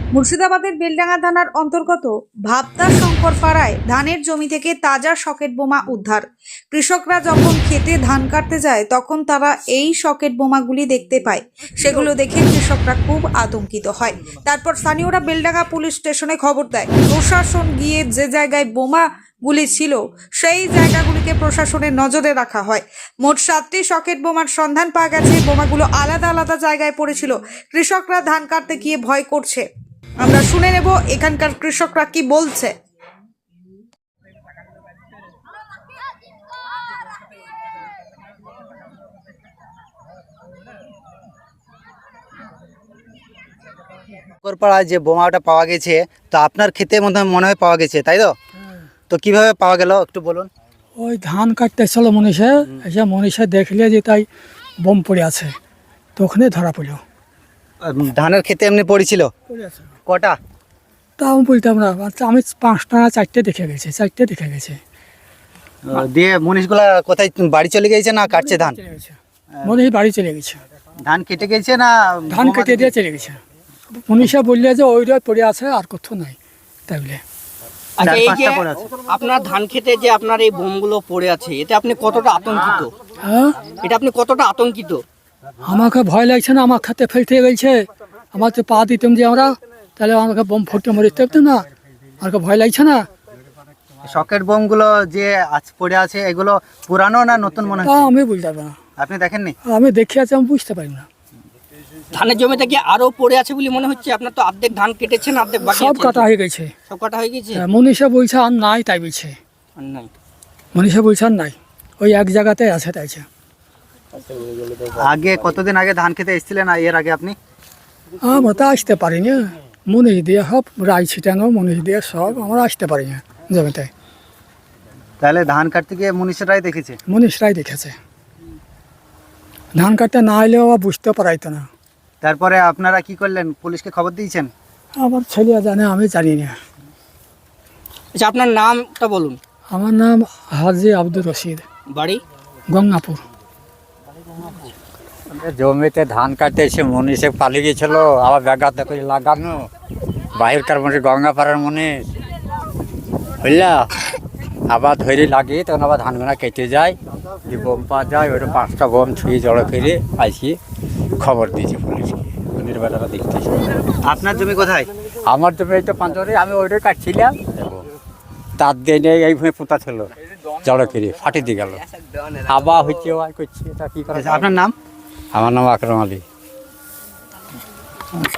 মুর্শিদাবাদের বেলডাঙ্গা থানার অন্তর্গত ভাবদা শঙ্কর পাড়ায় ধানের জমি থেকে তাজা সকেট বোমা উদ্ধার। কৃষকরা যখন খেতে ধান কাটতে যায় তখন তারা এই সকেট বোমাগুলি দেখতে পায়। সেগুলো দেখে কৃষকরা খুব আতঙ্কিত হয়। তারপর স্থানীয়রা বেলডাঙ্গা পুলিশ স্টেশনে খবর দেয়। প্রশাসন গিয়ে যে জায়গায় বোমাগুলি ছিল সেই জায়গাগুলিকে প্রশাসনের নজরে রাখা হয়। মোট 7টি সকেট বোমার সন্ধান পাওয়া গেছে। বোমাগুলো আলাদা আলাদা জায়গায় পড়েছিল। কৃষকরা ধান কাটতে গিয়ে ভয় করছে। আমরা শুনে নেব এখানকার কৃষকরা কি বলছে। পাড়ায় যে বোমাটা পাওয়া গেছে, তো আপনার ক্ষেতে মনে হয় পাওয়া গেছে, তাই তো? তো কিভাবে পাওয়া গেল একটু বলুন। ওই ধান কাটতে ছিল মনীষা, এসে মনীষা দেখলে যে তাই বোম পড়ে আছে, তো ওখানে ধরা পড়ল। ধানের ক্ষেতে এমনি পড়েছিল কটা? তা আমি বলতাম না, আচ্ছা আমি 5টা না 4টে দেখে গেছে। দিয়ে মনীষগুলা কোথায় বাড়ি চলে গেছে না কাটছে ধান? মনীষ বাড়ি চলে গেছে, ধান কেটে গেছে না ধান কেটে দিয়ে চলে গেছে। মনীষা বললে যে ওইটা পড়ে আছে আর কোথাও নাই, তাই বলে। আচ্ছা, এই যে 4-5টা পড়ে আছে। আপনার ধান খেতে যে আপনার এই বোমগুলো পড়ে আছে, এতে আপনি কতটা আতঙ্কিত? হ্যাঁ, এটা আপনি কতটা আতঙ্কিত? আমাকে ভয় লাগছে না, আমার খাতে ফেলতে গেছে, আমার তো পা দিতাম যে আমরা, তাহলে আমাকে বোম ফুটতে মরে থাকতাম না, আমাকে ভয় লাগছে না। সকেট বোমগুলো যে আজ পড়ে আছে এগুলো পুরানো না নতুন মনে তা হয়? আমি বলতে পারবো না, আপনি দেখেননি? আমি দেখে আছি, আমি বুঝতে পারি না। ধানের জমিতে কি আরো পড়ে আছে বলে মনে হচ্ছে? আপনার তো অর্ধেক ধান কেটেছেন, অর্ধেক বাকি সব আছে। কাটা হয়ে গেছে। সব কাটা হয়ে গেছে? মনীষা বলছে আর নাই, তাই বলছে। আর নাই। মনীষা বলছে আর নাই, ওই এক জায়গাতে আছে, তাইছে। আগে কতদিন আগে ধান খেতে এসেছিলেন এর আগে আপনি? আমরা তো আসতে পারিনি, মনীষ দিয়ে সব রাই ছিটানো, মনীষ দিয়ে সব আমরা আসতে পারি না জমিতে। তাহলে ধান কাটতে গিয়ে মনীষরাই দেখেছে? মনীষরাই দেখেছে, ধান কাটতে না এলেও আবার বুঝতে পারাইতো না। তারপরে আপনারা কি করলেন? পুলিশকে খবর দিয়েছেন? আমার ছেলে জানে, আমি জানি না। আচ্ছা, আপনার নামটা বলুন। আমার নাম হাজি আব্দুর রশিদ, বাড়ি? গঙ্গাপুর। জমিতে ধান কাটতে এসে মনীষে পালিয়ে গেছিল, আবার ব্যাঘাতে করে লাগানো বাহিরকার মনীষ, গঙ্গাপাড়ার মনীষ বুঝলা, আবার ধরে লাগিয়ে তখন আবার ধানগুলা কেটে যায়, যে বোম পাওয়া যায়, ওইটা 5টা বোম ছুঁয়ে জড়ো করে আসি খবর দিয়েছে পুলিশকে, পুলিশ বেটারা দেখতেছে। আপনার জমি কোথায়? আমার জমি এই তো পাঁচরে, আমি ওইটাই কাটছিলাম, তার দিয়ে নিয়ে এইভাবে পোতা ছিল, জড়ো করে ফাটি দিয়ে গেল, আবার হচ্ছে ওয়াই করছে, এটা কী করা? আপনার নাম? আমার নাম আকরাম আলী।